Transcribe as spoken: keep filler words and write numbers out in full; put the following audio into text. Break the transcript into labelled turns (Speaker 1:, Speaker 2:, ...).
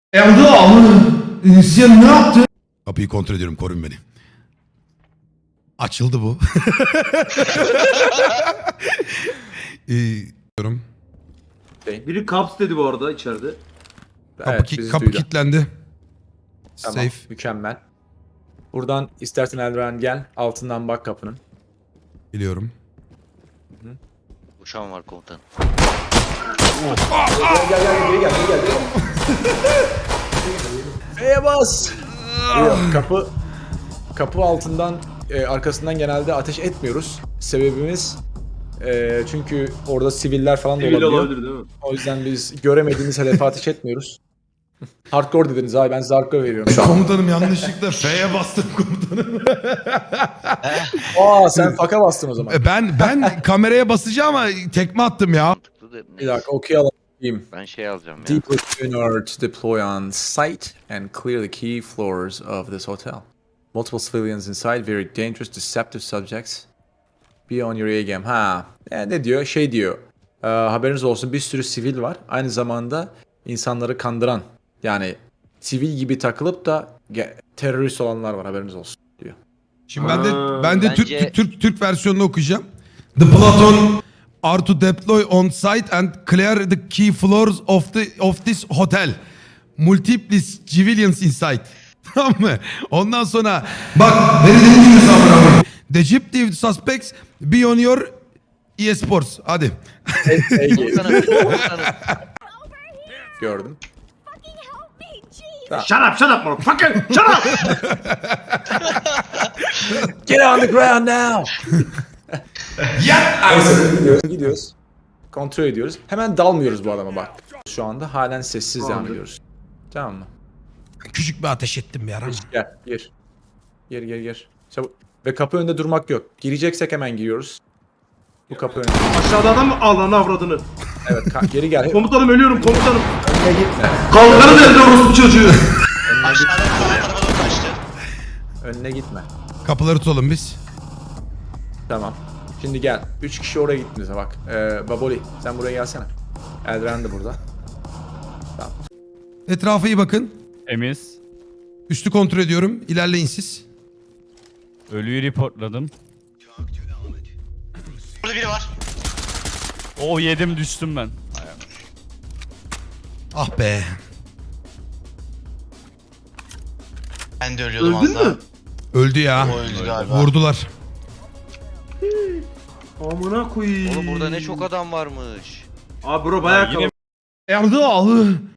Speaker 1: Erdal, sen ne yaptın? Kapıyı kontrol ediyorum, korun beni. Açıldı bu. ee, diyorum.
Speaker 2: Biri kaps dedi bu arada içeride.
Speaker 1: Kapı,
Speaker 3: Evet,
Speaker 1: ki-
Speaker 3: bizi
Speaker 1: kapı
Speaker 3: duydu.
Speaker 1: kilitlendi.
Speaker 3: Tamam,
Speaker 1: Safe.
Speaker 3: mükemmel. Buradan istersen Eldiven gel, altından bak kapının.
Speaker 1: Biliyorum.
Speaker 4: Uçağım var komutanım.
Speaker 3: Gel gel gel, geri gel, geri gel. F'ye bas! Yok, kapı kapı altından, e, arkasından genelde ateş etmiyoruz. Sebebimiz e, çünkü orada siviller falan da
Speaker 2: Sivil
Speaker 3: olabiliyor.
Speaker 2: olabilir değil mi?
Speaker 3: O yüzden biz göremediğimiz hedefe ateş etmiyoruz. Hardcore dediniz abi, ben size hardcore veriyorum şu an.
Speaker 1: Komutanım yanlışlıkla F'ye bastım komutanım.
Speaker 3: Aa, sen faka bastın o zaman.
Speaker 1: ben ben kameraya basacağım ama tekme attım ya.
Speaker 4: Mantıklı da
Speaker 3: Bir dakika, okuyalım.
Speaker 4: ben şey alacağım ya.
Speaker 3: Deep within order to deploy on site and clear the key floors of this hotel. Multiple civilians inside, very dangerous, deceptive subjects. Be on your A game. Ha, e, ne diyor? Şey diyor. E, haberiniz olsun, bir sürü sivil var. Aynı zamanda insanları kandıran, yani sivil gibi takılıp da ge- terörist olanlar var. Haberiniz olsun diyor.
Speaker 1: Şimdi ben de
Speaker 2: Aa,
Speaker 1: ben de Türk,
Speaker 4: bence-
Speaker 1: Türk Türk versiyonunu okuyacağım. The Platon are to deploy on site and clear the key floors of the of this hotel. Multiple civilians inside. Tamam mı? Ondan sonra bak beni dinliyorsun amına koyayım. The Egyptian suspects be on your E Sports. Hadi.
Speaker 3: Ege
Speaker 4: Komutanım, komutanım.
Speaker 3: gördüm.
Speaker 2: Shut up, shut up motherfucker! Shut up!
Speaker 3: Get on the ground now.
Speaker 1: Ya!
Speaker 3: Neyse, gidiyoruz, gidiyoruz. Kontrol ediyoruz. Hemen dalmıyoruz bu adama bak. Şu anda halen sessiz devam
Speaker 2: Tamamdır.
Speaker 3: ediyoruz. Tamam mı?
Speaker 1: Küçük bir ateş ettim bir ara.
Speaker 3: Gel, gir. Gir, gir, gir. Çabuk. Ve kapı önünde durmak yok. Gireceksek hemen giriyoruz. Bu kapı önünde.
Speaker 2: Aşağıda adam mı? Allah'ın avradını.
Speaker 3: Evet, ka- geri gel.
Speaker 2: Komutanım ölüyorum komutanım.
Speaker 3: Önüne gitme.
Speaker 2: Kalkanı nerede orospu çocuğu?
Speaker 4: Aşağıdan sağ tarafa doğru kaçtı.
Speaker 3: Önüne gitme.
Speaker 1: Kapıları tutalım biz.
Speaker 3: Tamam. Şimdi gel. Üç kişi oraya gittiniz bak. Ee, Baboli, sen buraya gelsene. Eldren de burada. Tamam.
Speaker 1: Etrafa iyi bakın.
Speaker 5: Temiz.
Speaker 1: Üstü kontrol ediyorum. İlerleyin siz.
Speaker 5: Ölüyü reportladım.
Speaker 4: Burada biri var.
Speaker 5: O yedim düştüm ben.
Speaker 1: Ah be.
Speaker 4: Ben de ölüyordum
Speaker 2: Öldün
Speaker 4: az daha.
Speaker 2: mü?
Speaker 1: Öldü ya.
Speaker 4: O öldü galiba.
Speaker 1: Vurdular.
Speaker 2: Amına koyayım.
Speaker 4: Oğlum burada ne çok adam varmış.
Speaker 2: Abi bro bayağı
Speaker 5: Yine
Speaker 2: kalabalık.
Speaker 1: Erdal.